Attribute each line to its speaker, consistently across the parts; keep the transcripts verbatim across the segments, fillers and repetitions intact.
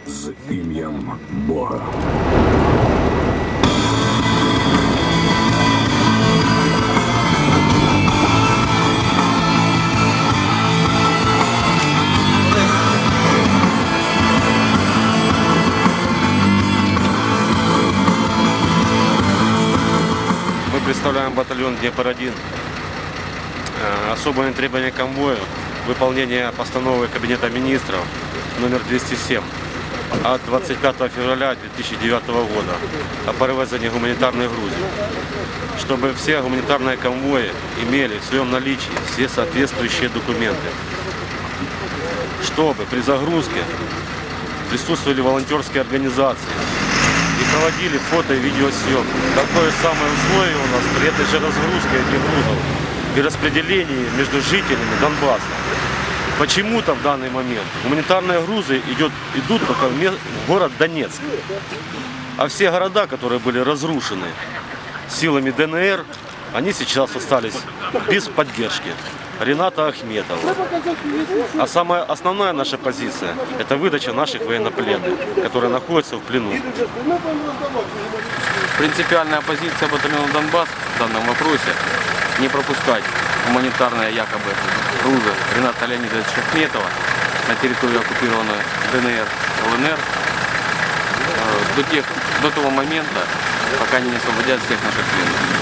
Speaker 1: з ім'ям Бога.
Speaker 2: Мы представляем батальон Днепр один. Особое требование к конвою – выполнение постановы Кабинета министров номер двести семь от двадцать пятого февраля две тысячи девятого года о перевезении гуманитарной грузи, чтобы все гуманитарные конвои имели в своем наличии все соответствующие документы, чтобы при загрузке присутствовали волонтерские организации и проводили фото и видеосъемку. Такое самое условие у нас при этой же разгрузке этих грузов и распределении между жителями Донбасса. Почему-то в данный момент гуманитарные грузы идет, идут только в, в город Донецк. А все города, которые были разрушены силами ДНР, они сейчас остались без поддержки Рената Ахметова. А самая основная наша позиция – это выдача наших военнопленных, которые находятся в плену.
Speaker 3: Принципиальная позиция батальона «Донбасс» в данном вопросе – не пропускать гуманитарные якобы грузы Рената Леонидовича Ахметова на территорию оккупированной ДНР, ЛНР до, тех, до того момента, пока они не освободят всех наших пленных.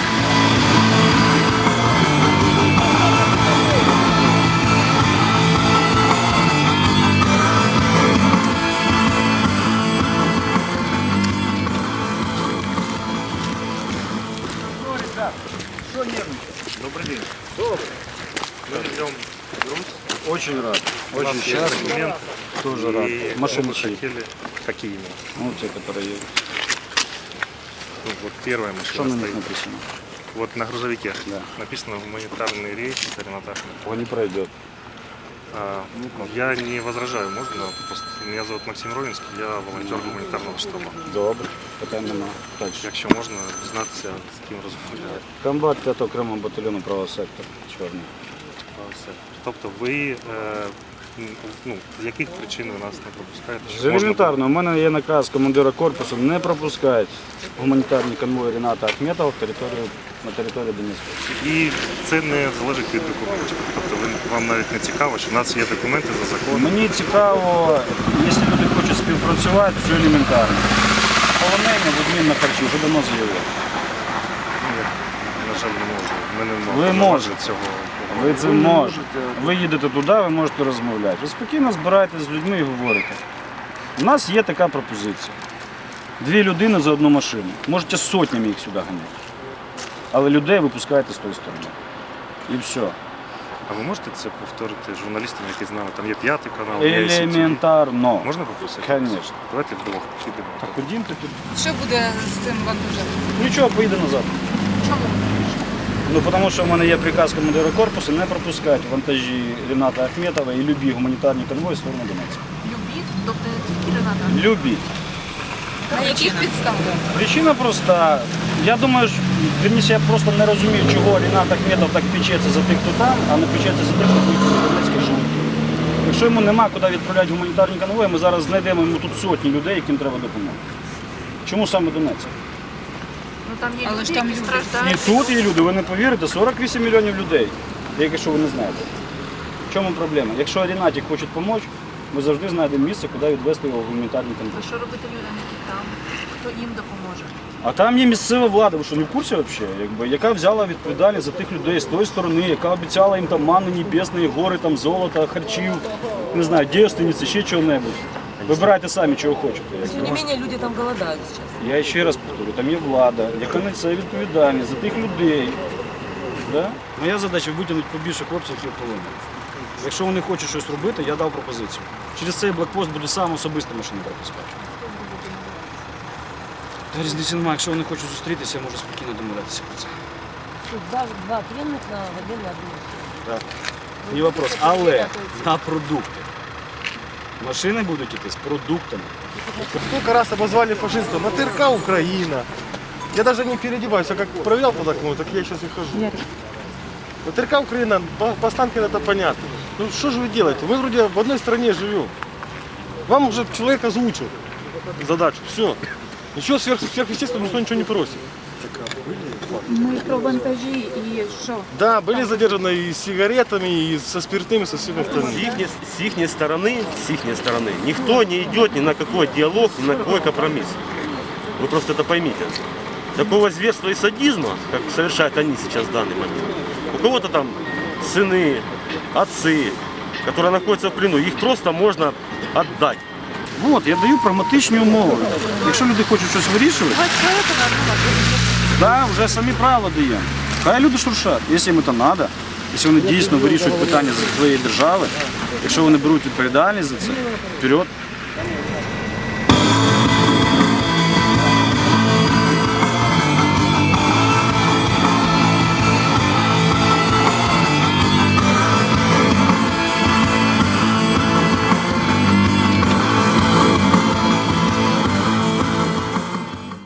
Speaker 4: Добрый день. Добрый. Мы ждем груз.
Speaker 5: Очень рад.
Speaker 4: У нас
Speaker 5: Очень
Speaker 4: есть
Speaker 5: счастлив.
Speaker 4: документ.
Speaker 5: Тоже
Speaker 4: И
Speaker 5: рад. Машины
Speaker 4: мы
Speaker 5: чьи?
Speaker 4: хотели... Какие именно?
Speaker 5: Ну, те, которые едут.
Speaker 4: Ну, вот первая
Speaker 5: Что
Speaker 4: машина
Speaker 5: на них
Speaker 4: стоит.
Speaker 5: написано?
Speaker 4: Вот на грузовике
Speaker 5: Да.
Speaker 4: написано гуманитарный рейс Рената Ахметова.
Speaker 5: Он не пройдет.
Speaker 4: А, я не возражаю, можно? Просто меня зовут Максим Ровинский, я волонтер гуманітарного штабу.
Speaker 5: Добре. Питань нема. Дальше.
Speaker 4: Якщо можна, дізнатися, з ким розмовляти.
Speaker 5: Комбат п'ятого окремого батальйону правого сектора. Чорний.
Speaker 4: Все. Тобто ви е, ну, з яких причин ви нас не пропускаєте?
Speaker 5: З
Speaker 4: Щоб можна
Speaker 5: елементарно, у мене є наказ командира корпусу не пропускати гуманітарні конвої Рената Ахметова в територію, на територію Донецької.
Speaker 4: І це не залежить від документів. Тобто ви, вам навіть не цікаво, що в нас є документи за законом.
Speaker 5: Мені цікаво, якщо люди хочуть співпрацювати, все елементарно. Полонення в обмін на харчі вже давно заявили.
Speaker 4: На жаль, не можу. Ми не можемо
Speaker 5: Ви можете.
Speaker 4: цього.
Speaker 5: Ви це можете. Ви їдете туди, ви можете розмовляти. Ви спокійно збираєтесь з людьми і говорите. У нас є така пропозиція. Дві людини за одну машину. Можете сотнями їх сюди ганяти. Але людей випускаєте з тої сторони. І все.
Speaker 4: А ви можете це повторити журналістам, які з нами? Там є п'ятий канал, є ай сі ті ві.
Speaker 5: Елементарно.
Speaker 4: Можна попросити?
Speaker 5: Звісно.
Speaker 4: Давайте вдвох підемо.
Speaker 5: Так ходімте тут.
Speaker 6: Що буде з цим вантажем?
Speaker 5: Нічого, поїде назад.
Speaker 6: Чому?
Speaker 5: Ну, тому що в мене є приказ командира корпусу не пропускати вантажі Рената Ахметова і любі гуманітарні конвої в сторону Донецька.
Speaker 6: Любі? Тобто не тільки Рената?
Speaker 5: Любі.
Speaker 6: На яких підставах?
Speaker 5: Причина проста. Я думаю, що, вірніше, я просто не розумію, чого Ренат Ахметов так печеться за тих, хто там, а не печеться за тих, хто поїхав в Донецьк і живуть. Якщо йому нема куди відправляти гуманітарні конвої, ми зараз знайдемо йому тут сотні людей, яким треба допомога. Чому саме Донецьк?
Speaker 6: Ну там є
Speaker 7: Але
Speaker 6: люди,
Speaker 7: ж там
Speaker 6: які
Speaker 7: люди.
Speaker 6: страждають.
Speaker 5: І тут є люди, ви не повірите, сорок вісім мільйонів людей, якщо ви не знаєте. В чому проблема? Якщо Ренаті хочуть допомогти, ми завжди знайдемо місце, куди відвести його в гуманітарні конвої.
Speaker 6: А що робити людям, які там? Хто їм допоможе?
Speaker 5: А там є місцева влада, ви що не в курсі взагалі? Якби, яка взяла відповідальність за тих людей з тої сторони, яка обіцяла їм там манни небесної, гори, там, золота, харчів, не знаю, дівственниці, ще чого-небудь. Вибирайте самі, чого хочете.
Speaker 7: Тем не менее, люди там голодают сейчас.
Speaker 5: Я ще раз повторю, там є влада, яка несе відповідальність за тих людей. Да? Моя задача витягнути побільше хлопців і полонених. Якщо вони хочуть щось робити, я дав пропозицію. Через цей блокпост буде сам особисто машини пропускати. Та різниці немає, якщо вони хочуть зустрітися, я можу спокійно домовлятися про це.
Speaker 7: Два, два пленных на воде на одну.
Speaker 5: Так. Не вопрос. Але на продукти. Машини будуть йти з продуктами.
Speaker 8: Сколько раз обозвали фашистом? На ТРК Украина. Я даже не переодеваюсь, а как проверял под окном, так я сейчас и хожу. На ТРК Украина, по, по Останкино это понятно. Ну что же вы делаете? Мы вроде в одной стране живем. Вам уже человек озвучил задачу, все. Ничего сверх, сверхъестественного никто ничего не просит.
Speaker 9: Ми про вантажі і що?
Speaker 8: Да, были задержаны и с сигаретами, и со спиртным, и со всем
Speaker 2: С
Speaker 8: остальным.
Speaker 2: их, с ихней стороны, с ихней стороны, никто не идет ни на какой диалог, ни на какой компромисс. Вы просто это поймите. Такого зверства и садизма, как совершают они сейчас в данный момент. У кого-то там сыны, отцы, которые находятся в плену, их просто можно отдать.
Speaker 5: От, я даю прагматичні умови. Якщо люди хочуть щось вирішувати, да, вже самі правила даємо. Хай люди шуршать, якщо їм це треба, якщо вони дійсно вирішують питання за своєї держави, якщо вони беруть відповідальність за це, вперед.